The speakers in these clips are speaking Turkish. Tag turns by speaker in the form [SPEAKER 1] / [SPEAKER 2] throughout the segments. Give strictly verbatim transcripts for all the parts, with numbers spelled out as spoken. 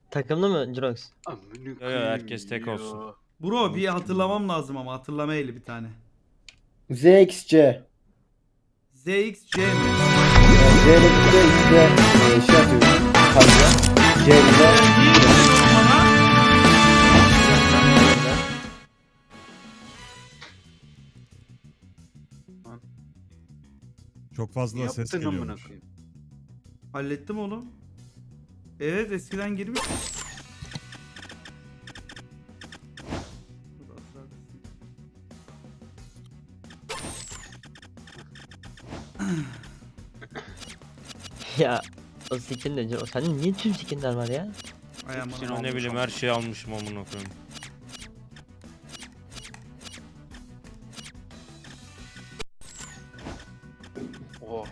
[SPEAKER 1] Takımlı mı Jirox?
[SPEAKER 2] Yo yo herkes tek olsun.
[SPEAKER 3] Bro bir hatırlamam lazım ama hatırlama eli bir tane.
[SPEAKER 4] Z X C.
[SPEAKER 3] Z X C mi?
[SPEAKER 4] Yani Z'de bir de X'de e, şey yapıyorum. Fazla. C'de
[SPEAKER 3] Niye dedin oğlum bana?
[SPEAKER 5] Çok fazla ses
[SPEAKER 2] Yaptın amına
[SPEAKER 5] geliyormuş.
[SPEAKER 2] koyayım.
[SPEAKER 3] Hallettim oğlum. Evet eskiden girmiş.
[SPEAKER 1] Ya o skin de Jirox. Sende niye tüm skinler var ya?
[SPEAKER 3] Ay aman
[SPEAKER 2] Hepsini
[SPEAKER 3] aman.
[SPEAKER 2] al.
[SPEAKER 5] Ne bileyim her şeyi almışım amına koyayım.
[SPEAKER 2] Oh.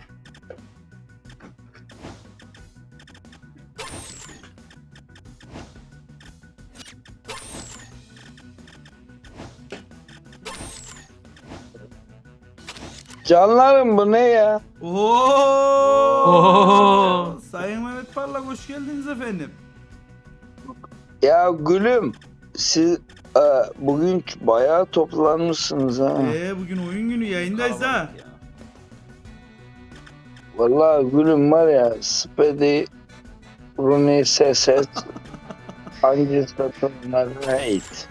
[SPEAKER 6] Canlarım bu ne ya?
[SPEAKER 3] Oo! Sayın Mehmet Parlak hoş geldiniz efendim.
[SPEAKER 6] Ya gülüm siz e, bugün bayağı toplanmışsınız ha.
[SPEAKER 3] Ee bugün oyun günü yayındayız ha.
[SPEAKER 2] Kalabalık ya.
[SPEAKER 6] Vallahi gülüm var ya Spedi Rooney Seset hangi takımlarına ait?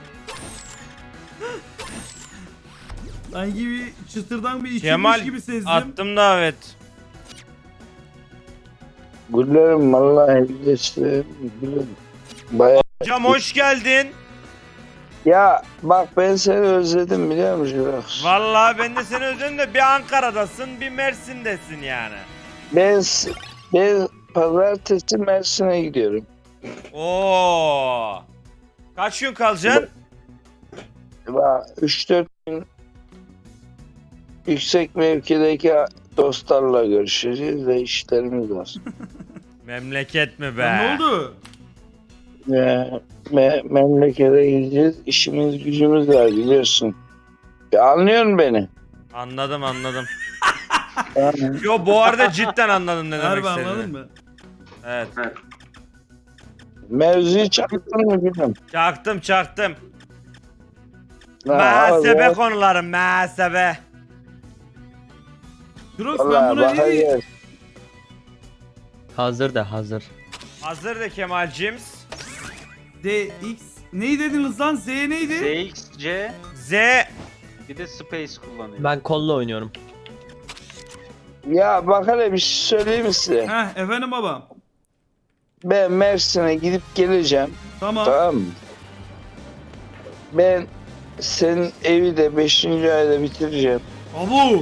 [SPEAKER 3] Sanki bir çıtırdan bir içilmiş
[SPEAKER 2] Kemal
[SPEAKER 3] gibi sezdim.
[SPEAKER 2] attım davet.
[SPEAKER 6] Güllerim vallahi geçti gülüm. Bayağı.
[SPEAKER 2] Hocam hoş geldin.
[SPEAKER 6] Ya bak ben seni özledim biliyor musun?
[SPEAKER 2] Vallahi ben de seni özledim de bir Ankara'dasın bir Mersin'desin yani.
[SPEAKER 6] Ben, ben pazartesi Mersin'e gidiyorum.
[SPEAKER 2] Oo. Kaç gün kalacaksın?
[SPEAKER 6] Bak üç dört gün yüksek mevkideki dostlarla görüşeceğiz ve işlerimiz var.
[SPEAKER 2] Memleket mi be?
[SPEAKER 3] Ya ne oldu?
[SPEAKER 6] Ve me memlekete gideceğiz. İşimiz gücümüz var biliyorsun. Ya anlıyor musun beni?
[SPEAKER 2] Anladım anladım.
[SPEAKER 6] Yani,
[SPEAKER 2] Yo bu arada cidden anladım ne demek
[SPEAKER 3] Harbi anladın
[SPEAKER 2] istediğini.
[SPEAKER 3] mı?
[SPEAKER 2] Evet.
[SPEAKER 6] mevzuyu çaktın mı bilmiyorum.
[SPEAKER 2] Çaktım çaktım.
[SPEAKER 6] Ha,
[SPEAKER 2] Muhasebe
[SPEAKER 6] abi,
[SPEAKER 2] konuları muhasebe.
[SPEAKER 3] Jirox ben
[SPEAKER 6] vallahi
[SPEAKER 3] buna ne
[SPEAKER 6] bakar
[SPEAKER 3] diyeyim?
[SPEAKER 6] ya.
[SPEAKER 1] Hazır da hazır.
[SPEAKER 2] Hazır da Kemal'cims.
[SPEAKER 3] D X neyi dediniz lan? Z neydi?
[SPEAKER 7] Z X C
[SPEAKER 2] Z.
[SPEAKER 7] bir de Space kullanıyor.
[SPEAKER 1] Ben kolla oynuyorum.
[SPEAKER 6] Ya bak hele bir şey söyleyeyim mi size?
[SPEAKER 3] Heh efendim babam.
[SPEAKER 6] Ben Mersin'e gidip geleceğim.
[SPEAKER 3] Tamam.
[SPEAKER 6] Tamam mı? Ben senin evi de beşinci ayda bitireceğim.
[SPEAKER 3] Abu.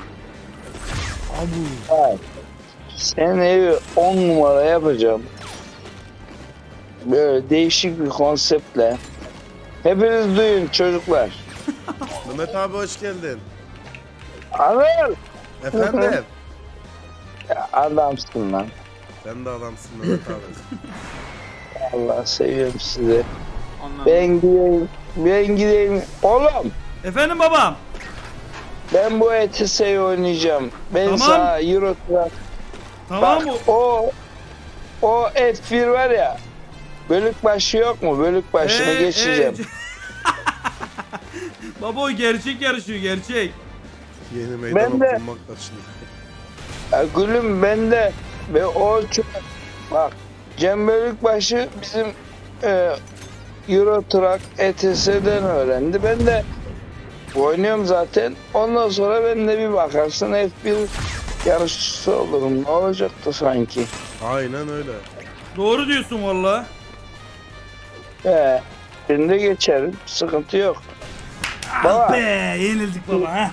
[SPEAKER 6] Hayır. Senin evi on numara yapacağım. Böyle değişik bir konseptle. Hepiniz duyun çocuklar.
[SPEAKER 5] Mehmet abi hoş geldin.
[SPEAKER 6] Anıl!
[SPEAKER 5] Efendim?
[SPEAKER 6] Ya adamsın lan.
[SPEAKER 5] Sen de adamsın Mehmet abi.
[SPEAKER 6] Allah seviyorum sizi.
[SPEAKER 7] Ondan
[SPEAKER 6] Ben gideyim. Ben gideyim. Oğlum
[SPEAKER 3] Efendim babam.
[SPEAKER 6] ben bu E T S'yi oynayacağım. Ben
[SPEAKER 3] Tamam.
[SPEAKER 6] sana Euro Truck.
[SPEAKER 3] Tamam
[SPEAKER 6] Bak
[SPEAKER 3] mı?
[SPEAKER 6] o o F bir var ya. Bölük başı yok mu? Bölük başını
[SPEAKER 3] Ee,
[SPEAKER 6] geçeceğim.
[SPEAKER 3] ee, Baba o gerçek yarışıyor gerçek.
[SPEAKER 5] Yeni meydan
[SPEAKER 6] Ben de-
[SPEAKER 5] okunmak taşını.
[SPEAKER 6] Ya gülüm bende ve o çok bak Cem Bölükbaşı bizim e, Euro Truck E T S'den öğrendi. Ben de oynuyorum zaten. Ondan sonra ben de bir bakarsın F bir yarışçısı olurum. Ne olacaktı sanki?
[SPEAKER 5] Aynen öyle.
[SPEAKER 3] Doğru diyorsun valla.
[SPEAKER 6] He, ben de geçerim. Sıkıntı yok.
[SPEAKER 3] Ah
[SPEAKER 6] Baba.
[SPEAKER 3] be yenildik baba ha.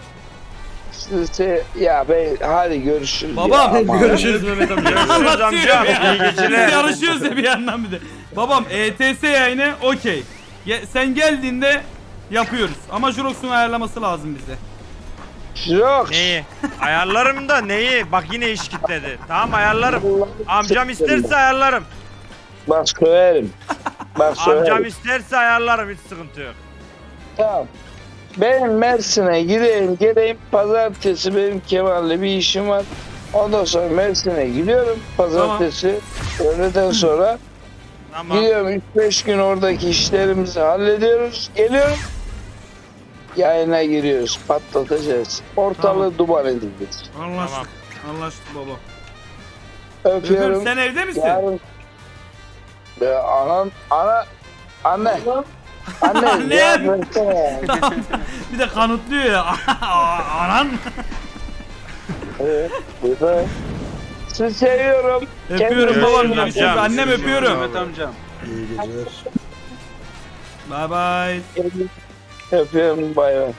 [SPEAKER 6] Size, ya ben hadi görüşürüz.
[SPEAKER 3] Babam
[SPEAKER 6] ya, aman.
[SPEAKER 3] görüşürüz Mehmet amca.
[SPEAKER 2] Görüşürüz
[SPEAKER 3] Anlatıyor
[SPEAKER 2] amca.
[SPEAKER 3] ya.
[SPEAKER 2] İyi geceler.
[SPEAKER 3] Biz yarışıyoruz ya bir yandan bir de. Babam E T S yayını okey. Ge- Sen geldiğinde yapıyoruz. Ama Jurox'un ayarlaması lazım bize.
[SPEAKER 6] Yok.
[SPEAKER 2] Neyi? Ayarlarım da neyi? Bak yine iş kitledi. Tamam ayarlarım. Amcam isterse ayarlarım.
[SPEAKER 6] Bak söverim. Bak söverim.
[SPEAKER 2] Amcam isterse ayarlarım hiç sıkıntı yok.
[SPEAKER 6] Tamam. Ben Mersin'e gideyim geleyim. Pazartesi benim Kemal'le bir işim var. Ondan sonra Mersin'e gidiyorum. Pazartesi öğleden sonra
[SPEAKER 2] Tamam.
[SPEAKER 6] Gidiyorum üç beş gün oradaki işlerimizi hallediyoruz. Geliyorum. Yayına giriyoruz. Patlatacağız. Ortalığı duman edeceğiz.
[SPEAKER 3] Anlaştık. Anlaştık baba.
[SPEAKER 6] Öpüyorum.
[SPEAKER 3] Öpüyorum. Sen evde misin?
[SPEAKER 6] Yarın... Be, anan, ana, anne. Anne,
[SPEAKER 3] Annem.
[SPEAKER 6] ya versene ya.
[SPEAKER 3] Bir de kanıtlıyor ya. Anan.
[SPEAKER 6] Evet, burada. Sizi seviyorum.
[SPEAKER 3] Öpüyorum
[SPEAKER 6] Kendinize
[SPEAKER 3] babam.
[SPEAKER 6] iyi bakın.
[SPEAKER 3] Görüşürüz. Annem
[SPEAKER 2] Görüşürüz.
[SPEAKER 3] öpüyorum.
[SPEAKER 7] Mehmet amcam.
[SPEAKER 5] İyi geceler.
[SPEAKER 3] Bye bye.
[SPEAKER 6] Öpüyorum, bay bay.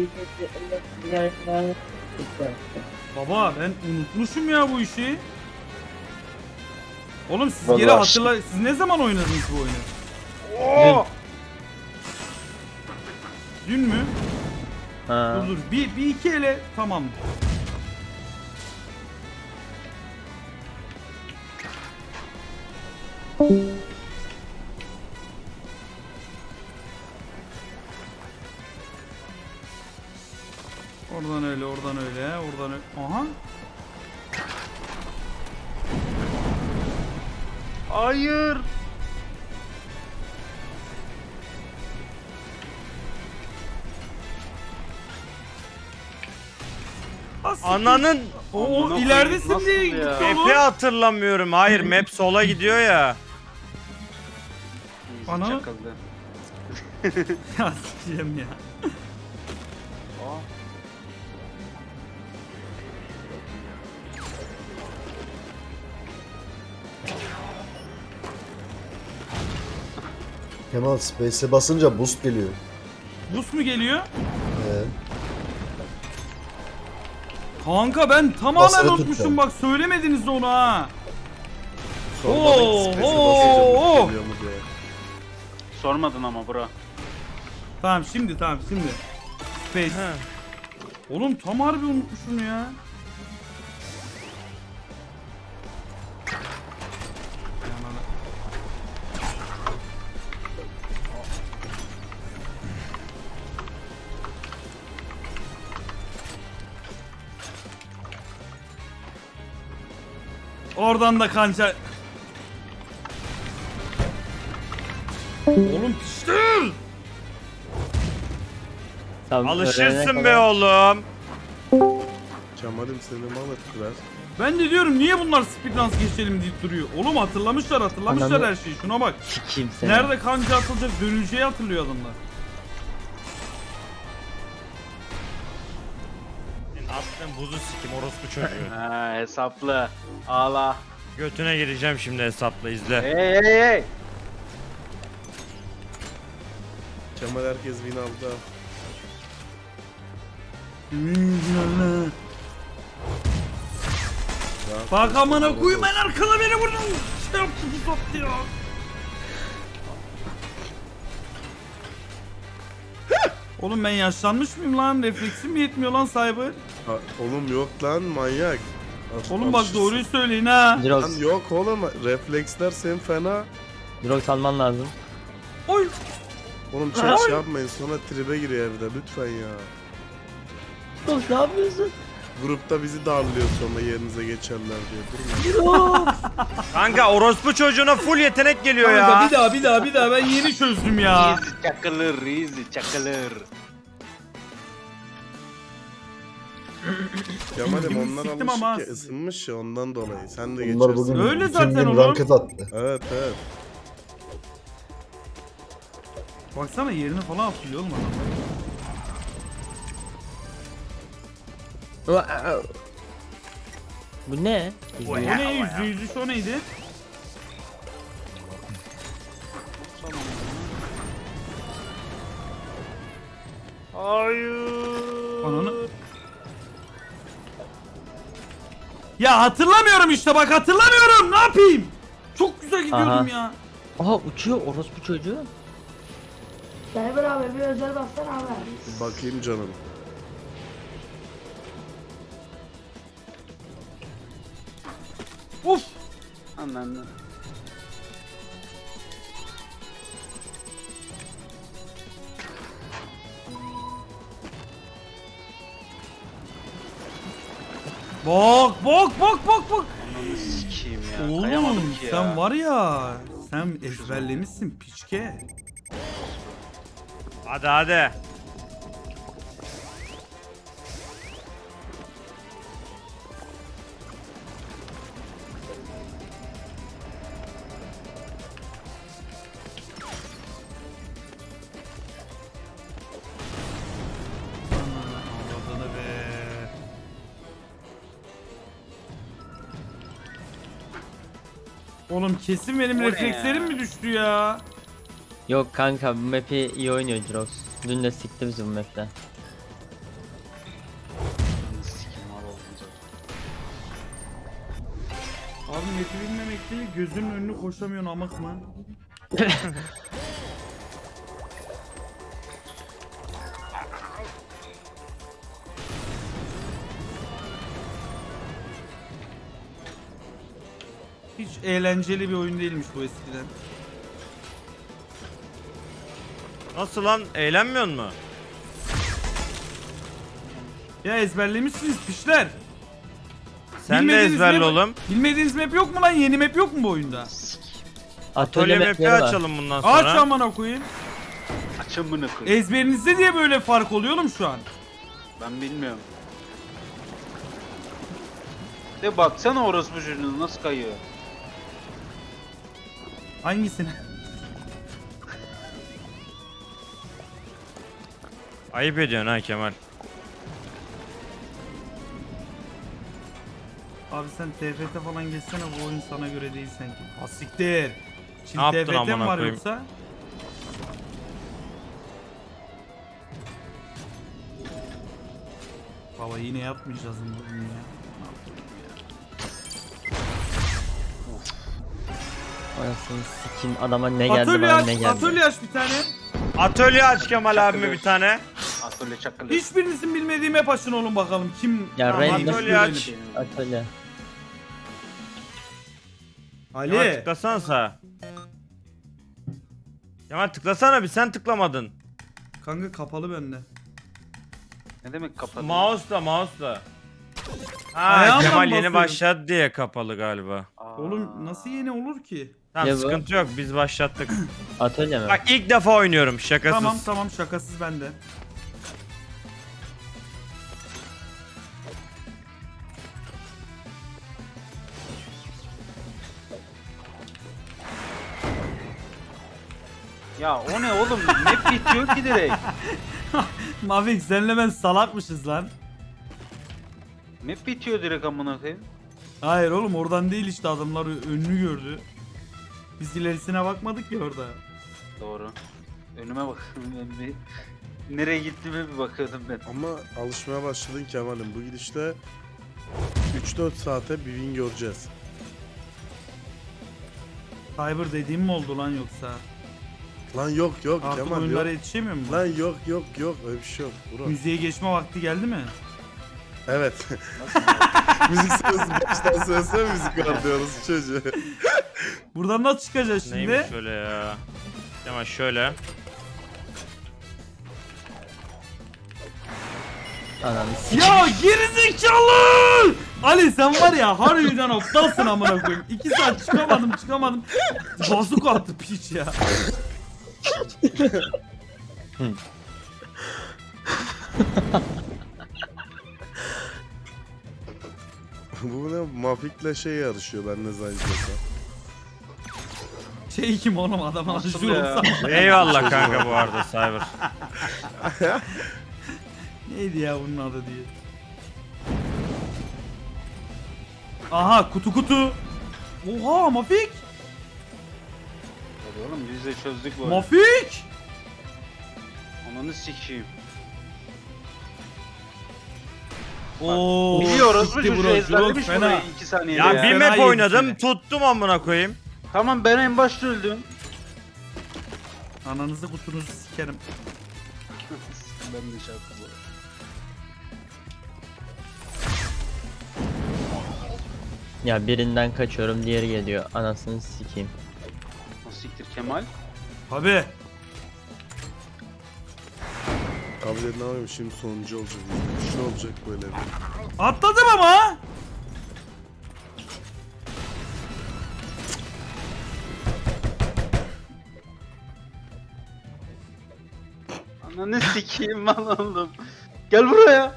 [SPEAKER 3] Baba ben unutmuşum ya bu işi. Oğlum siz
[SPEAKER 6] Vallahi
[SPEAKER 3] geri
[SPEAKER 6] aşk-
[SPEAKER 3] hatırla. Siz ne zaman oynadınız bu oyunu?
[SPEAKER 2] Oo!
[SPEAKER 3] Dün mü?
[SPEAKER 1] Ha.
[SPEAKER 3] Dur dur. Bir, bir iki ele tamam. Oradan öyle, oradan öyle, oradan öyle. Aha.
[SPEAKER 7] Hayır.
[SPEAKER 3] As-
[SPEAKER 2] Ananın
[SPEAKER 3] O
[SPEAKER 7] Amına
[SPEAKER 3] ileridesin
[SPEAKER 7] koyayım,
[SPEAKER 3] diye
[SPEAKER 7] nasıl
[SPEAKER 3] gitti
[SPEAKER 7] ya?
[SPEAKER 3] oğlum.
[SPEAKER 2] map'i hatırlamıyorum. Hayır map sola gidiyor ya.
[SPEAKER 7] Easy
[SPEAKER 3] Ana.
[SPEAKER 7] çakıldı.
[SPEAKER 3] Ya sikeceğim ya.
[SPEAKER 7] Aa.
[SPEAKER 4] Kemal Space'e basınca boost geliyor.
[SPEAKER 3] Bus mu geliyor?
[SPEAKER 4] Ee,
[SPEAKER 3] Kanka ben tamamen
[SPEAKER 4] Basılı
[SPEAKER 3] unutmuşum
[SPEAKER 4] tutacağım.
[SPEAKER 3] bak söylemediniz onu ha.
[SPEAKER 5] Sormadık
[SPEAKER 3] Oo,
[SPEAKER 5] space'e
[SPEAKER 3] oo,
[SPEAKER 5] basınca
[SPEAKER 3] oo.
[SPEAKER 5] geliyor mu diye.
[SPEAKER 7] Sormadın ama bro.
[SPEAKER 3] Tamam şimdi tamam şimdi. Space. Oğlum tam harbi unutmuşum ya. Oradan da kanca. Oğlum piştir.
[SPEAKER 1] Tam öğrenene
[SPEAKER 2] Alışırsın
[SPEAKER 1] kadar-
[SPEAKER 2] be oğlum.
[SPEAKER 5] Kemal'im seni mal ettiler.
[SPEAKER 3] Ben de diyorum niye bunlar speedruns geçelim deyip duruyor. Oğlum hatırlamışlar hatırlamışlar
[SPEAKER 1] Ananı-
[SPEAKER 3] her şeyi. Şuna bak.
[SPEAKER 1] Sikeyim seni.
[SPEAKER 3] Nerede kanca atılacak dönüleceği hatırlıyor adamlar.
[SPEAKER 2] Senin attığın buzu sikim orospu çocuğu.
[SPEAKER 7] Ha hesaplı. Ağla.
[SPEAKER 2] Götüne gireceğim şimdi hesapla izle.
[SPEAKER 7] Hey hey hey.
[SPEAKER 5] Kemal herkes win aldı. Rahat
[SPEAKER 3] Bak
[SPEAKER 5] ol,
[SPEAKER 3] amına
[SPEAKER 5] rahat ol.
[SPEAKER 3] koyayım en arkada beni vurdun. Şey yaptı bu sattı ya. Oğlum ben yaşlanmış mıyım lan? Refleksim mi yetmiyor lan Cyber?
[SPEAKER 5] Ha, oğlum yok lan manyak. Al-
[SPEAKER 3] Oğlum bak
[SPEAKER 5] alışırsın.
[SPEAKER 3] doğruyu söyleyin ha.
[SPEAKER 5] Lan
[SPEAKER 1] Jirox,
[SPEAKER 5] yok oğlum refleksler senin fena.
[SPEAKER 1] Jirox alman lazım.
[SPEAKER 3] Oy.
[SPEAKER 5] Oğlum çok şey yapmayın sonra tribe giriyor evde lütfen ya.
[SPEAKER 1] Jirox ne yapıyorsun?
[SPEAKER 5] Grupta bizi darlıyor sonra yerinize geçerler diye. Durma.
[SPEAKER 1] Jirox.
[SPEAKER 2] Kanka orospu çocuğuna full yetenek geliyor
[SPEAKER 3] Kanka
[SPEAKER 2] ya.
[SPEAKER 3] bir daha bir daha bir daha ben yeni çözdüm ya.
[SPEAKER 7] Easy çakılır, easy çakılır.
[SPEAKER 5] Kemal'im
[SPEAKER 3] Gibi
[SPEAKER 5] onlar
[SPEAKER 3] siktim
[SPEAKER 5] alışık
[SPEAKER 3] ama
[SPEAKER 5] ya ısınmış ya ondan dolayı. Sen de
[SPEAKER 4] Bunlar
[SPEAKER 5] geçersin.
[SPEAKER 4] bugün
[SPEAKER 3] Öyle
[SPEAKER 4] bütün
[SPEAKER 3] zaten
[SPEAKER 4] gün
[SPEAKER 3] oğlum.
[SPEAKER 4] ranket attı.
[SPEAKER 5] Evet evet.
[SPEAKER 3] Baksana yerini falan hatırlıyor oğlum adam.
[SPEAKER 1] Bu ne?
[SPEAKER 3] O ne? Yüzde yüz üç o neydi?
[SPEAKER 2] Hayır.
[SPEAKER 3] Ananı. Ya hatırlamıyorum işte bak hatırlamıyorum ne yapayım? Çok güzel gidiyordum
[SPEAKER 1] Aha.
[SPEAKER 3] ya.
[SPEAKER 1] Aha uçuyor orospu çocuğu.
[SPEAKER 8] Cyber abi bir özel bassana abi.
[SPEAKER 5] Bakayım canım.
[SPEAKER 3] Uf.
[SPEAKER 7] Anladın.
[SPEAKER 3] Bak bak bak bak bak.
[SPEAKER 7] Ananı sikeyim ya.
[SPEAKER 3] Oğlum
[SPEAKER 7] Kayamadım ki ya.
[SPEAKER 3] sen var ya Sen ezberlemişsin piçke.
[SPEAKER 2] Hadi hadi.
[SPEAKER 3] Anladığını be. Oğlum kesin benim
[SPEAKER 7] O ne
[SPEAKER 3] reflekslerim
[SPEAKER 7] ya?
[SPEAKER 3] mi düştü ya?
[SPEAKER 1] Yok kanka, bu map'i iyi oynuyor Jirox. Dün de sikti bizi bu map'te.
[SPEAKER 7] Sikim var olunca.
[SPEAKER 3] Abi map'i bilmemek değil, gözünün önünü koşamıyorsun amak mı? Hiç eğlenceli bir oyun değilmiş bu eskiden.
[SPEAKER 2] Nasıl lan? Eğlenmiyor mu?
[SPEAKER 3] Ya ezberlemişsiniz pişler.
[SPEAKER 2] Sen de
[SPEAKER 3] Bilmediğiniz
[SPEAKER 2] ezberle
[SPEAKER 3] map-
[SPEAKER 2] oğlum.
[SPEAKER 3] Bilmediğiniz map yok mu lan? Yeni map yok mu bu oyunda?
[SPEAKER 2] Atölye map'i
[SPEAKER 1] map'leri var.
[SPEAKER 2] açalım bundan
[SPEAKER 3] Aç
[SPEAKER 2] sonra.
[SPEAKER 3] amına koyayım.
[SPEAKER 7] Açın bunu koy.
[SPEAKER 3] Ezberinizde diye böyle fark oluyor oğlum şu an.
[SPEAKER 7] Ben bilmiyorum. De baksana orospu çocuğuna nasıl kayıyor.
[SPEAKER 3] Hangisini?
[SPEAKER 2] Ayıp ediyorsun ha Kemal.
[SPEAKER 3] Abi sen T F T falan geçsene, bu oyun sana göre değil sanki. Asiktir. Şimdi
[SPEAKER 2] Ne yaptın
[SPEAKER 3] T F T mi
[SPEAKER 2] amına
[SPEAKER 3] var
[SPEAKER 2] koyayım?
[SPEAKER 3] yoksa? Baba yine yapmayacağız mı bugün ya? Ne yapayım ya?
[SPEAKER 1] Anasını sikeyim, adama ne geldi
[SPEAKER 3] Atölye
[SPEAKER 1] bana
[SPEAKER 3] aç,
[SPEAKER 1] ne geldi.
[SPEAKER 3] atölye aç bir tane.
[SPEAKER 2] Atölye aç Kemal abime bir tane.
[SPEAKER 7] Atölye çakılı.
[SPEAKER 3] Hiçbirinizin bilmediği map açın oğlum bakalım kim...
[SPEAKER 1] Ya
[SPEAKER 2] Tamam,
[SPEAKER 1] random
[SPEAKER 2] atölye aç.
[SPEAKER 1] atölye.
[SPEAKER 2] Kemal
[SPEAKER 3] Ali.
[SPEAKER 2] tıklasana sağa. Kemal tıklasana bir, sen tıklamadın.
[SPEAKER 3] Kanka kapalı bende.
[SPEAKER 7] Ne demek kapalı?
[SPEAKER 2] Mouse'la mouse'la. Ha
[SPEAKER 3] Ayağımla
[SPEAKER 2] Kemal
[SPEAKER 3] mı
[SPEAKER 2] yeni
[SPEAKER 3] basıyorum?
[SPEAKER 2] başladı diye kapalı galiba.
[SPEAKER 7] Aa.
[SPEAKER 3] Oğlum nasıl yeni olur ki?
[SPEAKER 2] Tamam
[SPEAKER 1] Ya bu-
[SPEAKER 2] sıkıntı yok, biz başlattık.
[SPEAKER 1] Atölye mi?
[SPEAKER 2] Bak ilk defa oynuyorum, şakasız.
[SPEAKER 3] Tamam tamam şakasız bende.
[SPEAKER 7] Ya o ne oğlum? Map bitiyor ki direkt.
[SPEAKER 3] Mavik senle ben salakmışız lan.
[SPEAKER 7] Map bitiyor direkt amına koyayım.
[SPEAKER 3] Hayır oğlum oradan değil işte, adamlar önünü gördü. Biz ilerisine bakmadık ya orada.
[SPEAKER 7] Doğru. Önüme bak. Ben bir nereye gittiğime bir bakıyordum ben.
[SPEAKER 5] Ama alışmaya başladın Kemal'im. Bu gidişte üç dört saate bir win göreceğiz.
[SPEAKER 3] Cyber dediğim mi oldu lan yoksa?
[SPEAKER 5] Lan yok yok
[SPEAKER 3] Artık
[SPEAKER 5] Kemal
[SPEAKER 3] oyunlara
[SPEAKER 5] yok.
[SPEAKER 3] yetişemiyor mu?
[SPEAKER 5] Lan yok yok yok öyle bir şey yok. Bro.
[SPEAKER 3] Müziğe geçme vakti geldi mi?
[SPEAKER 5] Evet. Müzik sırası baştan söylesene müzik var diyoruz çocuğu.
[SPEAKER 3] Buradan nasıl çıkacağız şimdi?
[SPEAKER 2] Neymiş şöyle ya. Kemal şöyle.
[SPEAKER 1] Ananı sikeyim.
[SPEAKER 3] Ya gerizekalı! Ali sen var ya harbiden aptalsın amına koyayım. İki saat çıkamadım çıkamadım. Bazuk attı piç ya.
[SPEAKER 5] Bu ne? Mafik'le şey yarışıyor ben ne zannediyorsam.
[SPEAKER 3] Şey kim oğlum, adam
[SPEAKER 7] Nasıl
[SPEAKER 3] aşırı
[SPEAKER 7] ya?
[SPEAKER 3] olsa.
[SPEAKER 2] Eyvallah kanka bu arada Cyber.
[SPEAKER 3] Neydi ya bunun adı diye. Aha kutu kutu. Oha Mafik.
[SPEAKER 7] Hadi oğlum biz de çözdük bu oyunu.
[SPEAKER 3] Mafik.
[SPEAKER 7] Ananı sikeyim.
[SPEAKER 3] Oo.
[SPEAKER 7] Biliyoruz bu
[SPEAKER 3] gitti
[SPEAKER 7] çocuğu
[SPEAKER 3] bro,
[SPEAKER 7] ezberlemiş
[SPEAKER 3] Jirok,
[SPEAKER 7] burayı
[SPEAKER 3] fena.
[SPEAKER 7] iki saniyede
[SPEAKER 2] Ya
[SPEAKER 7] ya.
[SPEAKER 2] bir
[SPEAKER 3] Fena
[SPEAKER 2] map
[SPEAKER 3] yedi
[SPEAKER 2] oynadım,
[SPEAKER 3] seni.
[SPEAKER 2] tuttum amına koyayım.
[SPEAKER 7] Tamam ben en başta öldüm.
[SPEAKER 3] Ananızı kutunuzu sikerim.
[SPEAKER 7] Ben de şey yaptım.
[SPEAKER 1] Ya birinden kaçıyorum, diğeri geliyor. Anasını sikeyim.
[SPEAKER 7] O siktir Kemal.
[SPEAKER 3] Abi.
[SPEAKER 5] Abi ne yapayım şimdi sonuncu olacak. Bir şey olacak böyle bir.
[SPEAKER 3] Atladım ama.
[SPEAKER 7] Ananı sikeyim lan oğlum. Gel buraya.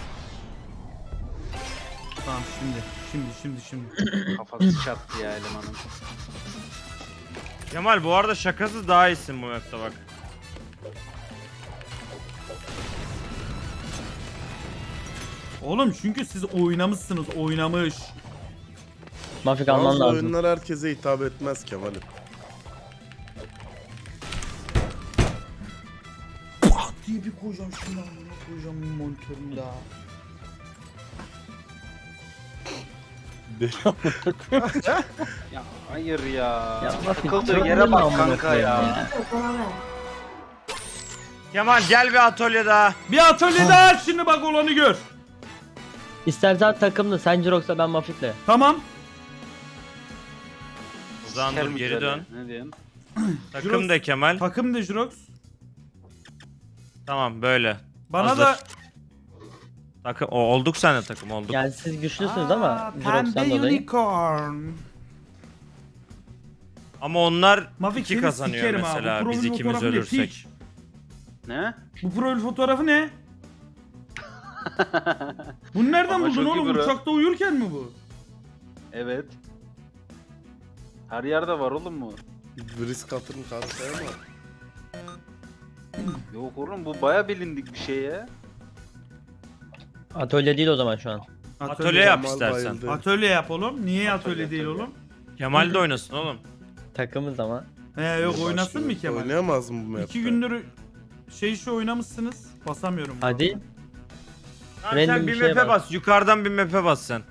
[SPEAKER 3] Tamam şimdi. Şimdi şimdi şimdi.
[SPEAKER 7] Kafası çattı ya elemanın.
[SPEAKER 2] Kemal bu arada şakasız daha iyisin bu map'te bak.
[SPEAKER 3] Oğlum çünkü siz oynamışsınız, oynamış.
[SPEAKER 1] Mafik alman
[SPEAKER 5] Bazı
[SPEAKER 1] lazım.
[SPEAKER 5] oyunlar herkese hitap etmez Kemal'im.
[SPEAKER 3] Pat diye bir koyacağım şunu amına koyacağım monitörümü daha.
[SPEAKER 7] Ya hayır ya.
[SPEAKER 1] Ya Mafik,
[SPEAKER 7] Takıldığı
[SPEAKER 1] çok
[SPEAKER 7] yere bak
[SPEAKER 1] amına
[SPEAKER 7] kanka
[SPEAKER 1] koyayım
[SPEAKER 7] ya.
[SPEAKER 1] ya.
[SPEAKER 8] Sana ver.
[SPEAKER 2] Kemal gel bir atölye daha.
[SPEAKER 3] Bir atölye daha aç şimdi bak olanı gör.
[SPEAKER 1] İstersen takımlı. Sen Jirox'la ben Mafik'le.
[SPEAKER 3] Tamam.
[SPEAKER 2] O zaman dur
[SPEAKER 7] Sikerim
[SPEAKER 2] geri
[SPEAKER 7] üzerine.
[SPEAKER 2] dön.
[SPEAKER 7] Ne diyorsun?
[SPEAKER 2] Takım da Kemal.
[SPEAKER 3] Takım de Jirox.
[SPEAKER 2] Tamam böyle.
[SPEAKER 3] Bana
[SPEAKER 2] Hazır.
[SPEAKER 3] da
[SPEAKER 2] Takım o, olduk sen de takım olduk.
[SPEAKER 1] Yani siz güçlüsünüz
[SPEAKER 3] Aa,
[SPEAKER 1] ama
[SPEAKER 3] pembe
[SPEAKER 1] Jirox'tan dolayı.
[SPEAKER 3] unicorn.
[SPEAKER 2] Ama onlar
[SPEAKER 3] Mafik
[SPEAKER 2] iki
[SPEAKER 3] seni
[SPEAKER 2] kazanıyor
[SPEAKER 3] sikerim ha.
[SPEAKER 2] mesela
[SPEAKER 3] Bu
[SPEAKER 2] biz
[SPEAKER 3] profil
[SPEAKER 2] ikimiz
[SPEAKER 3] fotoğrafı ne?
[SPEAKER 2] ölürsek.
[SPEAKER 3] Piç.
[SPEAKER 7] Ne?
[SPEAKER 3] Bu profil fotoğrafı ne? Bunu nereden
[SPEAKER 7] Ama
[SPEAKER 3] buldun
[SPEAKER 7] çok iyi
[SPEAKER 3] oğlum?
[SPEAKER 7] bro.
[SPEAKER 3] Uçakta uyurken mi bu?
[SPEAKER 7] Evet. Her yerde var oğlum bu.
[SPEAKER 5] Risk atırım kanka ama.
[SPEAKER 7] Yok oğlum bu baya bilindik bir şey ya.
[SPEAKER 1] Atölye değil o zaman şu an.
[SPEAKER 2] Atölye yap
[SPEAKER 5] Kemal
[SPEAKER 2] istersen.
[SPEAKER 5] bayıldı.
[SPEAKER 3] Atölye yap oğlum. Niye atölye,
[SPEAKER 7] Atölye,
[SPEAKER 3] değil
[SPEAKER 7] atölye.
[SPEAKER 3] oğlum?
[SPEAKER 2] Kemal de oynasın oğlum.
[SPEAKER 1] Takımız ama.
[SPEAKER 3] He yok oynasın mı
[SPEAKER 5] Başlıyor.
[SPEAKER 3] Kemal?
[SPEAKER 5] Oynayamaz mı bu map'te?
[SPEAKER 3] İki gündür şey şu oynamışsınız. Basamıyorum.
[SPEAKER 1] Hadi.
[SPEAKER 2] Tamam,
[SPEAKER 1] Random
[SPEAKER 2] sen
[SPEAKER 1] bir
[SPEAKER 2] bir
[SPEAKER 1] şeye
[SPEAKER 2] map'e
[SPEAKER 1] bas.
[SPEAKER 2] bas. Yukarıdan bir map'e bas sen.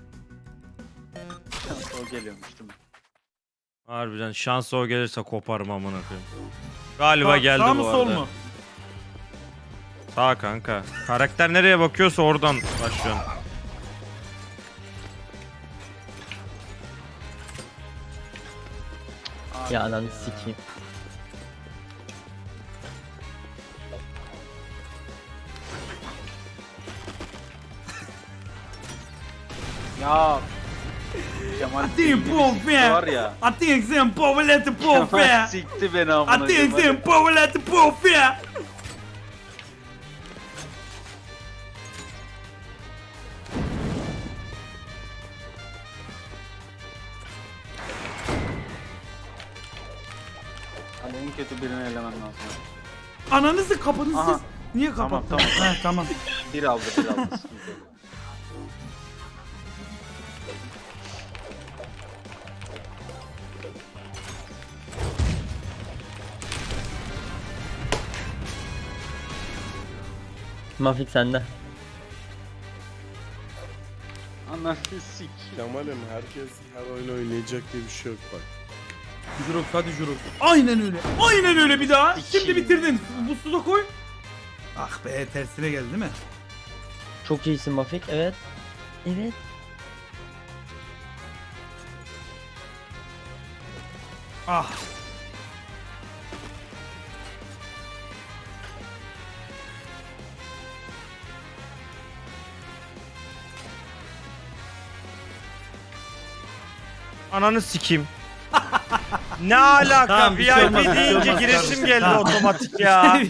[SPEAKER 7] O geliyormuş değil mi?
[SPEAKER 2] Harbiden şansı o gelirse koparım amına koyayım. Galiba
[SPEAKER 3] Sağ-
[SPEAKER 2] geldi
[SPEAKER 3] Sağ
[SPEAKER 2] bu
[SPEAKER 3] mı
[SPEAKER 2] arada.
[SPEAKER 3] sol mu?
[SPEAKER 2] Sağ kanka. Karakter nereye bakıyorsa oradan başlıyorsun.
[SPEAKER 7] Abi
[SPEAKER 1] Ya ananı sikeyim.
[SPEAKER 7] Ya. Kemal
[SPEAKER 3] Atayım
[SPEAKER 7] bildiği
[SPEAKER 3] pom
[SPEAKER 7] bir
[SPEAKER 3] fe.
[SPEAKER 7] sikti var ya.
[SPEAKER 3] Atayım sen povelete pom
[SPEAKER 7] Kemal
[SPEAKER 3] fe.
[SPEAKER 7] sikti beni amına
[SPEAKER 3] Atayım
[SPEAKER 7] koyayım,
[SPEAKER 3] sen povelete pom fe.
[SPEAKER 7] hadi. Hani en kötü birini elemen lazım.
[SPEAKER 3] Ananızı kapınız
[SPEAKER 7] Aha.
[SPEAKER 3] siz. Niye
[SPEAKER 7] Tamam,
[SPEAKER 3] kapattınız?
[SPEAKER 7] tamam.
[SPEAKER 3] He tamam.
[SPEAKER 7] Bir aldı bir aldı. sıkıntı yok.
[SPEAKER 1] Mafik sende.
[SPEAKER 7] Ananı sik.
[SPEAKER 5] Kemal'im herkes her oyun oynayacak diye bir şey yok bak.
[SPEAKER 3] Jurox hadi Jurox. Aynen öyle. Aynen öyle bir daha.
[SPEAKER 7] İki.
[SPEAKER 3] Şimdi bitirdin. Bu suda koy. Ah be tersine geldi değil mi?
[SPEAKER 1] Çok iyisin Mafik. Evet. Evet.
[SPEAKER 3] Ah.
[SPEAKER 2] Ananı sikeyim. Ne alaka?
[SPEAKER 3] Tamam, bir şey
[SPEAKER 2] V I
[SPEAKER 3] olmaz,
[SPEAKER 2] P
[SPEAKER 3] bir şey
[SPEAKER 2] deyince
[SPEAKER 3] olmaz
[SPEAKER 2] giresim
[SPEAKER 3] kardeşim.
[SPEAKER 2] geldi
[SPEAKER 3] Tamam.
[SPEAKER 2] otomatik ya.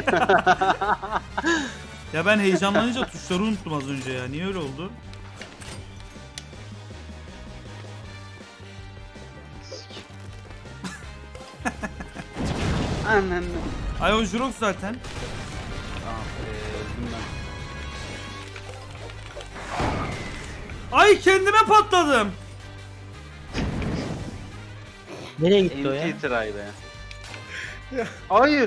[SPEAKER 3] Ya ben heyecanlanınca tuşları unuttum az önce ya. Niye öyle oldu?
[SPEAKER 7] Ananı.
[SPEAKER 3] Ay o Jurox zaten.
[SPEAKER 7] Tamam. Eee öldüm ben.
[SPEAKER 3] Ay kendime patladım.
[SPEAKER 1] Nereye gitti o ya?
[SPEAKER 7] Enti try be. Hayır.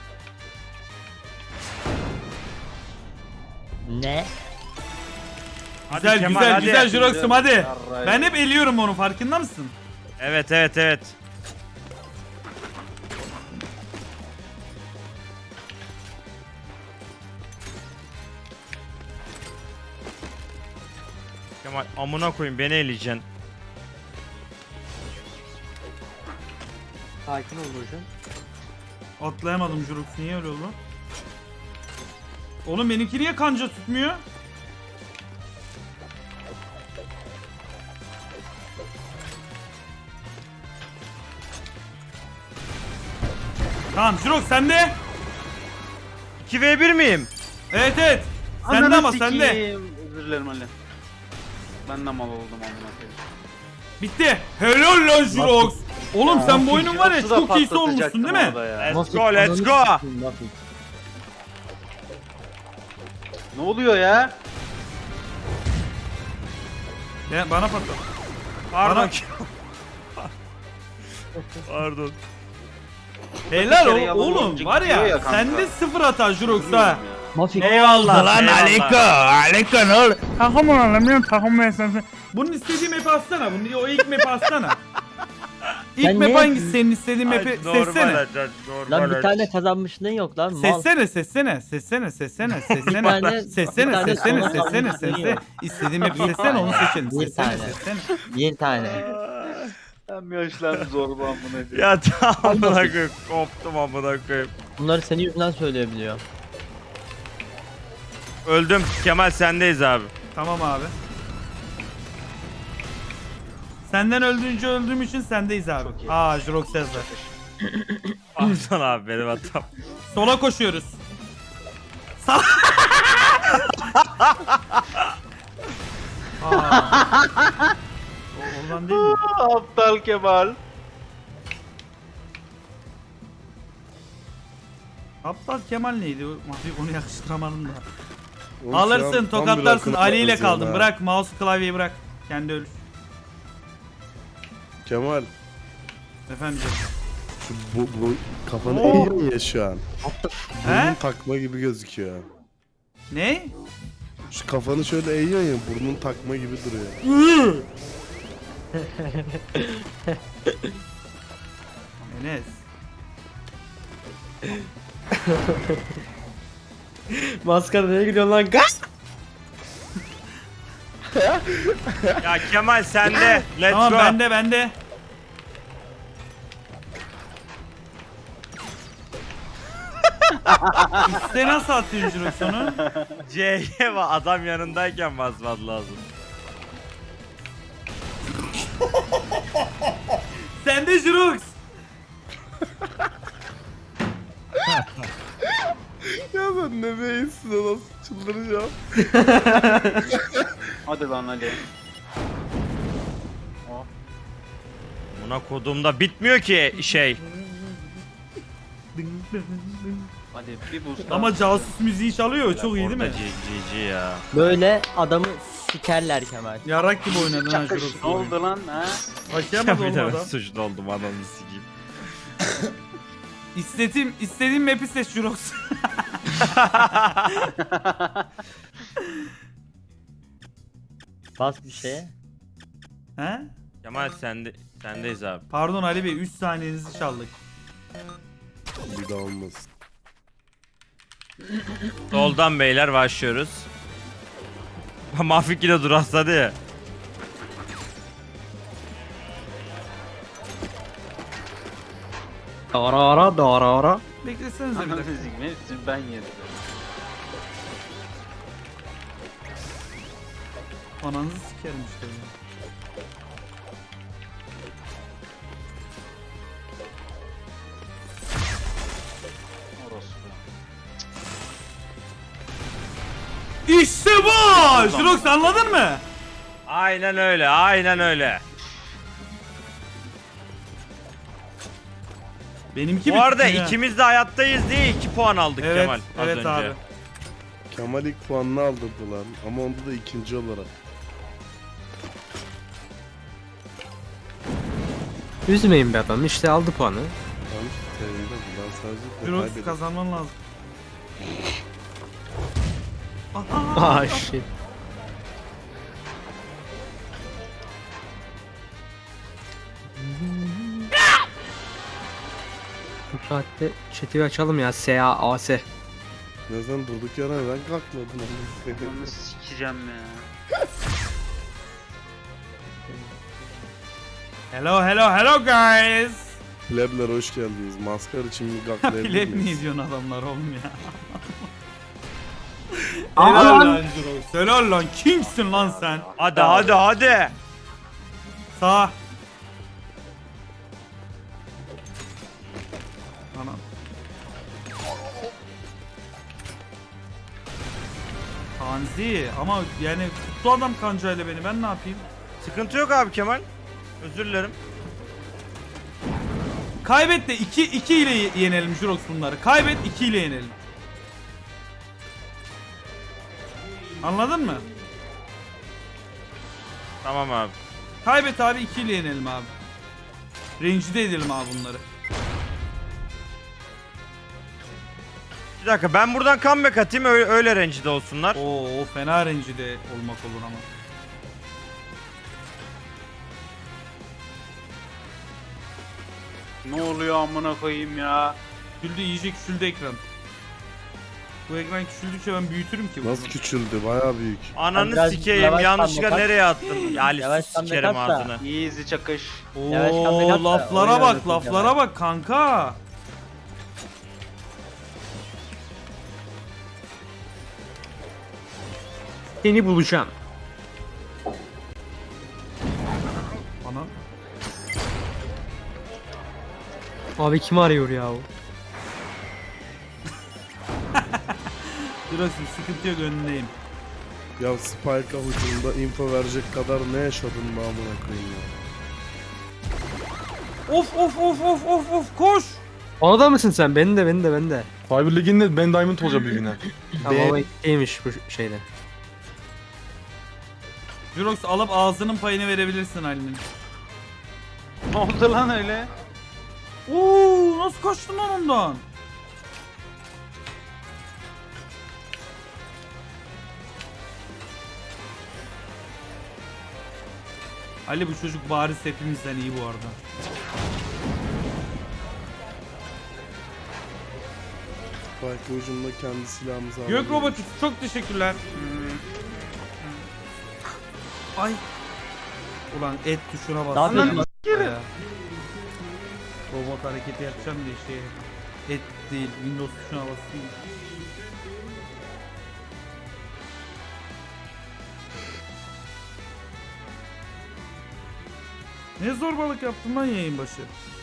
[SPEAKER 1] Ne?
[SPEAKER 2] Hadi
[SPEAKER 3] Güzel
[SPEAKER 2] Kemal,
[SPEAKER 3] güzel
[SPEAKER 2] hadi.
[SPEAKER 3] güzel Jurox'um hadi.
[SPEAKER 7] Yarrayım.
[SPEAKER 3] Ben hep eliyorum onu farkında mısın?
[SPEAKER 2] Evet evet evet. Kemal amına koyayım beni eleyeceksin.
[SPEAKER 1] Sakin ol Burcu.
[SPEAKER 3] Atlayamadım Jurox. Niye öyle oldu? Oğlum benimki niye kanca tutmuyor? Tamam Jurox sende.
[SPEAKER 2] iki ve bir miyim?
[SPEAKER 3] Evet evet. Sende
[SPEAKER 7] Ananı
[SPEAKER 3] ama sende.
[SPEAKER 7] sikeyim. Özür dilerim Ali. Ben de mal oldum amına koyayım.
[SPEAKER 3] Bitti. Helal lan Jirox. Oğlum sen bu oyunun var ya
[SPEAKER 7] Jirox'u da
[SPEAKER 3] çok iyisi olmuşsun
[SPEAKER 7] patlatacaktım
[SPEAKER 3] değil mi?
[SPEAKER 7] orada ya.
[SPEAKER 2] Let's
[SPEAKER 1] Mafik,
[SPEAKER 2] go, let's
[SPEAKER 1] ananı
[SPEAKER 2] go.
[SPEAKER 1] sikeyim, Mafik.
[SPEAKER 7] Ne oluyor ya?
[SPEAKER 3] Ya, bana patla.
[SPEAKER 2] Pardon.
[SPEAKER 3] Bana-
[SPEAKER 2] Pardon.
[SPEAKER 3] Helal
[SPEAKER 7] kere
[SPEAKER 3] o-
[SPEAKER 7] yalan
[SPEAKER 3] oğlum
[SPEAKER 7] olunca
[SPEAKER 3] var
[SPEAKER 7] gidiyor
[SPEAKER 3] ya,
[SPEAKER 7] ya kanka.
[SPEAKER 3] sende sıfır hata Jirox ha.
[SPEAKER 1] Mafik.
[SPEAKER 2] Eyvallah lan Aleko.
[SPEAKER 3] Aleka ne olur? Takım alamıyorum takım esnası. Bunun istediği map'i atsana. Bunu o ilk map'i atsana. İlk
[SPEAKER 1] Sen
[SPEAKER 3] map
[SPEAKER 1] ne-
[SPEAKER 3] hangisi senin istediğin map'i
[SPEAKER 2] Ay, normal
[SPEAKER 3] seçsene.
[SPEAKER 2] açar, normal
[SPEAKER 1] Lan bir
[SPEAKER 2] açar.
[SPEAKER 1] tane kazanmışlığın yok lan. Mal.
[SPEAKER 3] Seçsene seçsene seçsene seçsene seçsene
[SPEAKER 1] tane- bir
[SPEAKER 3] seçsene
[SPEAKER 1] tane
[SPEAKER 3] seçsene
[SPEAKER 1] sana
[SPEAKER 3] seçsene
[SPEAKER 1] kalmışlığın
[SPEAKER 3] seçsene
[SPEAKER 1] yok.
[SPEAKER 3] istediğin map'i seçsene onu seçelim
[SPEAKER 1] Bir
[SPEAKER 3] seçsene
[SPEAKER 1] tane.
[SPEAKER 3] seçsene.
[SPEAKER 1] Bir tane.
[SPEAKER 7] Ben yaşlandım zorba amına koyayım.
[SPEAKER 2] Ya tamam amına koyayım. Koptum amına koyayım.
[SPEAKER 1] Bunları senin yüzünden söyleyebiliyor.
[SPEAKER 2] Öldüm. Kemal sendeyiz abi.
[SPEAKER 3] Tamam abi. Senden öldüğünce öldüğüm için sendeyiz abi.
[SPEAKER 7] Çok iyi.
[SPEAKER 3] Aa Jirox yazdı.
[SPEAKER 2] Pardon abi benim hatam.
[SPEAKER 3] Sola koşuyoruz. Sağ. Aa. O- Oradan değil mi?
[SPEAKER 7] Aptal Kemal.
[SPEAKER 3] Aptal Kemal neydi? Mafik onu yakıştıramadım da.
[SPEAKER 5] Oğlum şu an
[SPEAKER 3] Alırsın,
[SPEAKER 5] tam bir
[SPEAKER 3] tokatlarsın.
[SPEAKER 5] akıllı
[SPEAKER 3] Ali ile
[SPEAKER 5] bakıyorsun
[SPEAKER 3] kaldın.
[SPEAKER 5] ha.
[SPEAKER 3] Bırak mouse klavyeyi bırak. Kendi ölür.
[SPEAKER 5] Kemal
[SPEAKER 3] Efendim canım.
[SPEAKER 5] şu bu, bu kafanı
[SPEAKER 3] Oo.
[SPEAKER 5] eğiyor ya şu an.
[SPEAKER 3] He?
[SPEAKER 5] Burnun takma gibi gözüküyor.
[SPEAKER 3] Ne?
[SPEAKER 5] Şu kafanı şöyle eğiyor ya burnun takma gibi duruyor.
[SPEAKER 3] Enes.
[SPEAKER 4] Maskara neye gülüyorsun lan? Gaz!
[SPEAKER 2] Ya Kemal sende. Let's
[SPEAKER 3] Tamam
[SPEAKER 2] go.
[SPEAKER 3] bende bende. Üste nasıl atıyorsun Jirox onu?
[SPEAKER 2] C'ye bak adam yanındayken basman lazım.
[SPEAKER 3] Sende Jirox.
[SPEAKER 5] Ya ben ne beyinsin nasıl çıldıracağım.
[SPEAKER 7] Hadi lan Ali.
[SPEAKER 2] Buna kodumda bitmiyor ki şey.
[SPEAKER 7] Hadi bir boost.
[SPEAKER 3] Ama casus müziği çalıyor. Çok iyi değil mi?
[SPEAKER 2] Orada G G ya.
[SPEAKER 1] Böyle adamı sikerler Kemal.
[SPEAKER 3] Yarak gibi oynadın ha
[SPEAKER 7] Çakış
[SPEAKER 3] Jirox.
[SPEAKER 7] ne oldu lan ha?
[SPEAKER 3] Başlayamadı
[SPEAKER 2] Bir de ben
[SPEAKER 3] olmadan.
[SPEAKER 2] suçlu oldum ananı sikeyim.
[SPEAKER 3] İstediğim, istediğim map'i seç Jirox.
[SPEAKER 1] Bas bir şeye.
[SPEAKER 3] He?
[SPEAKER 2] Kemal sende sendeyiz abi.
[SPEAKER 3] Pardon Ali Bey üç saniyenizi çaldık.
[SPEAKER 5] Bir daha olmasın.
[SPEAKER 2] Soldan beyler başlıyoruz. Mafik yine durakladı ya.
[SPEAKER 4] Ara ara da ara ara.
[SPEAKER 3] Beklesenize bir
[SPEAKER 7] Ananı
[SPEAKER 3] dakika.
[SPEAKER 7] sikeyim hepsini ben yedim.
[SPEAKER 3] Ananızı sikerim işte. ya.
[SPEAKER 7] Orospu.
[SPEAKER 3] İşte bu! Jirox anladın mı?
[SPEAKER 2] Aynen öyle, aynen öyle.
[SPEAKER 3] Benimki
[SPEAKER 2] Bu arada
[SPEAKER 3] bitti ya.
[SPEAKER 2] ikimiz de hayattayız diye iki puan aldık
[SPEAKER 3] Evet,
[SPEAKER 2] Kemal az
[SPEAKER 3] evet
[SPEAKER 2] önce.
[SPEAKER 3] abi.
[SPEAKER 5] Kemal ilk puanını aldırdı lan ama onda da ikinci olarak.
[SPEAKER 4] Üzmeyin be adam işte aldı puanı.
[SPEAKER 5] Tam terinde bu lan sadece
[SPEAKER 3] Jirox
[SPEAKER 5] kaybedin.
[SPEAKER 3] kazanman lazım.
[SPEAKER 4] Ah shit. Bu saatte chat'i açalım ya. S A A S.
[SPEAKER 5] Ne zaman durduk yere ben kalkmadım.
[SPEAKER 7] Onu sikeceğim ya.
[SPEAKER 3] Hello hello hello guys.
[SPEAKER 5] Plebler hoş geldiniz. Maskar için bir gaklayabilir
[SPEAKER 3] Pleb mi
[SPEAKER 5] miyiz?
[SPEAKER 3] izliyorsun adamlar oğlum ya? Helal lan Jirox. Helal lan kimsin lan sen?
[SPEAKER 2] Hadi hadi hadi.
[SPEAKER 3] Sağ. Anam. Ganzi ama yani tuttu adam kancayla beni, ben ne yapayım?
[SPEAKER 2] Sıkıntı yok abi Kemal. Özür dilerim.
[SPEAKER 3] Kaybet de iki iki ile yenelim Jurox bunları. Kaybet iki ile yenelim. Anladın mı?
[SPEAKER 2] Tamam abi.
[SPEAKER 3] Kaybet abi, iki ile yenelim abi. Rencide edelim abi bunları.
[SPEAKER 2] Bir dakika ben buradan comeback atayım öyle, öyle rencide olsunlar.
[SPEAKER 3] Oo, o fena rencide olmak olur ama.
[SPEAKER 7] Ne oluyor amına koyayım ya?
[SPEAKER 3] Küçüldü, iyice küçüldü ekran. Bu ekran küçüldükçe ben büyütürüm ki bunu.
[SPEAKER 5] Nasıl küçüldü? Bayağı büyük.
[SPEAKER 2] Ananı
[SPEAKER 1] Biraz
[SPEAKER 2] sikeyim
[SPEAKER 1] yavaş
[SPEAKER 2] yanlışlıkla
[SPEAKER 1] comeback at.
[SPEAKER 2] nereye attın? Ya Ali
[SPEAKER 1] Yavaş
[SPEAKER 2] sikerim
[SPEAKER 1] comeback at da.
[SPEAKER 2] ağzını.
[SPEAKER 7] Easy çakış.
[SPEAKER 1] Yavaş comeback at
[SPEAKER 3] Oo,
[SPEAKER 1] da
[SPEAKER 3] laflara
[SPEAKER 1] oyun
[SPEAKER 3] bak,
[SPEAKER 1] oynasın
[SPEAKER 3] laflara
[SPEAKER 1] Kemal.
[SPEAKER 3] bak kanka.
[SPEAKER 1] Seni bulacağım.
[SPEAKER 3] Ana.
[SPEAKER 1] Abi kim arıyor ya o?
[SPEAKER 3] Durasın, sıkıntı yok, önündeyim.
[SPEAKER 5] Ya Spike'a hücumda info verecek kadar ne yaşadın mı amına koyayım ya?
[SPEAKER 3] Of of of of of of, koş.
[SPEAKER 1] Ona da mısın sen? Beni de beni de beni de.
[SPEAKER 9] Cyber Ligi'nde ben Diamond olacağım bir güne.
[SPEAKER 1] Tamam ama iyiymiş bu şeyde.
[SPEAKER 3] Jurox alıp ağzının payını verebilirsin Ali'nin.
[SPEAKER 7] Ne oldu lan öyle?
[SPEAKER 3] Oo, nasıl kaçtın lan ondan? Ali, bu çocuk bariz hepimizden iyi bu arada.
[SPEAKER 5] Spike'a hücumda kendi silahımızı aldık.
[SPEAKER 3] Gök Robotik çok teşekkürler. Ay. Ulan et tuşuna bas.
[SPEAKER 1] Ne yapıyorsun?
[SPEAKER 3] Ya. Robot hareketi yapacağım diye şey. Et değil, Windows tuşuna basayım. Ne zorbalık yaptın lan yayın başı?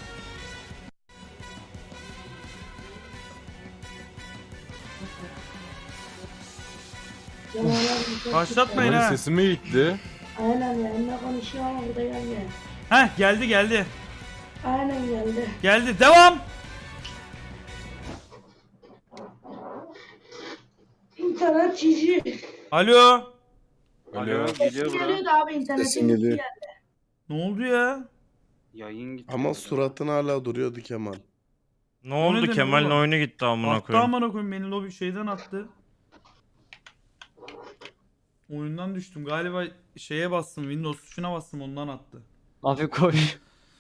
[SPEAKER 3] Başlatmayın
[SPEAKER 9] Benim
[SPEAKER 3] ha.
[SPEAKER 9] sesim mi gitti?
[SPEAKER 8] Aynen yanına konuşuyor ama burada gelmiyor.
[SPEAKER 3] Heh, geldi geldi.
[SPEAKER 8] Aynen geldi.
[SPEAKER 3] Geldi. Devam.
[SPEAKER 8] İnternet çiğci.
[SPEAKER 3] Alo.
[SPEAKER 7] Alo,
[SPEAKER 8] Sesim
[SPEAKER 7] geliyor bura.
[SPEAKER 8] geliyordu abi internetin
[SPEAKER 5] Sesin geliyor.
[SPEAKER 8] geldi.
[SPEAKER 3] Ne oldu ya?
[SPEAKER 7] Yayın gitti.
[SPEAKER 5] Ama suratın hala duruyordu Kemal.
[SPEAKER 2] Ne
[SPEAKER 3] O
[SPEAKER 2] oldu
[SPEAKER 3] nedir
[SPEAKER 2] Kemal'in
[SPEAKER 3] oğlum?
[SPEAKER 2] oyunu gitti amına
[SPEAKER 3] Attı
[SPEAKER 2] koyayım.
[SPEAKER 3] amına koyayım, beni lobi şeyden attı. Oyundan düştüm galiba, şeye bastım, Windows tuşuna bastım, ondan attı.
[SPEAKER 1] Abi koş.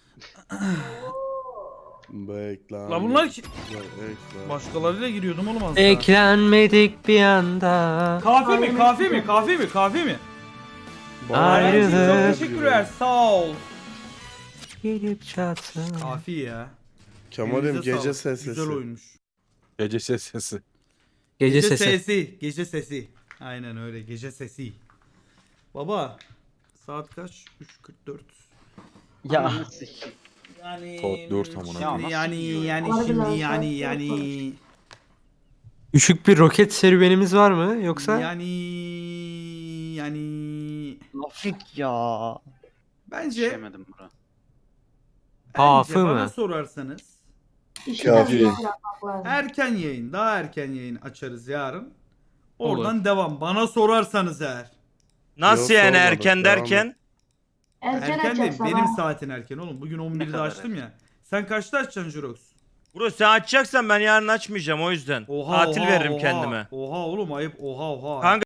[SPEAKER 5] Bekle.
[SPEAKER 3] La bunlar ki...
[SPEAKER 5] Bekle.
[SPEAKER 3] Başkalarıyla giriyordum oğlum az daha.
[SPEAKER 1] Beklenmedik bir anda.
[SPEAKER 3] Kahve mi kahve mi kahve mi kahve mi?
[SPEAKER 1] Ayrılık.
[SPEAKER 3] Aynen, çok teşekkürler, sağ ol.
[SPEAKER 1] Gelip çatsın.
[SPEAKER 3] Kafi ya.
[SPEAKER 5] Kemal'im
[SPEAKER 3] Elinize
[SPEAKER 5] gece
[SPEAKER 3] sağlık.
[SPEAKER 5] sesi.
[SPEAKER 3] Güzel oyunmuş.
[SPEAKER 9] Gece ses sesi.
[SPEAKER 1] Gece
[SPEAKER 3] Gece
[SPEAKER 1] sesi.
[SPEAKER 3] sesi. Gece sesi. Aynen öyle, gece sesi. Baba saat kaç? üç kırk dört.
[SPEAKER 1] Ya.
[SPEAKER 3] Yani
[SPEAKER 9] Saat dört amına.
[SPEAKER 7] Ya
[SPEAKER 3] Şimdi
[SPEAKER 7] nasıl
[SPEAKER 3] yani
[SPEAKER 7] yiyor ya?
[SPEAKER 3] yani
[SPEAKER 8] Harbiden
[SPEAKER 3] şimdi
[SPEAKER 8] saat
[SPEAKER 3] yani
[SPEAKER 8] dört
[SPEAKER 3] yani
[SPEAKER 1] Düşük bir roket serüvenimiz var mı yoksa?
[SPEAKER 3] yani yani
[SPEAKER 1] Afrik ya.
[SPEAKER 3] bence
[SPEAKER 7] Yetişemedim bura.
[SPEAKER 1] Hafı
[SPEAKER 3] bence bana
[SPEAKER 1] mı?
[SPEAKER 3] sorarsanız
[SPEAKER 8] İşi
[SPEAKER 5] Kafi.
[SPEAKER 8] de yapmak lazım.
[SPEAKER 3] erken yayın, daha erken yayın açarız yarın. Oradan devam. Bana sorarsanız eğer.
[SPEAKER 2] Nasıl
[SPEAKER 5] Yok,
[SPEAKER 2] yani
[SPEAKER 5] sormadık,
[SPEAKER 2] erken
[SPEAKER 5] devam
[SPEAKER 2] derken?
[SPEAKER 8] Erken,
[SPEAKER 3] Erken değil,
[SPEAKER 8] açacak
[SPEAKER 3] benim
[SPEAKER 8] sabah.
[SPEAKER 3] saatin erken oğlum. Bugün on birde
[SPEAKER 7] kadar
[SPEAKER 3] açtım ya. Sen kaçta açacaksın Jurox?
[SPEAKER 2] Bro sen açacaksan ben yarın açmayacağım o yüzden.
[SPEAKER 3] Oha
[SPEAKER 2] Tatil
[SPEAKER 3] oha,
[SPEAKER 2] veririm
[SPEAKER 3] oha.
[SPEAKER 2] kendime.
[SPEAKER 3] Oha oğlum, ayıp, oha oha.
[SPEAKER 2] Kanka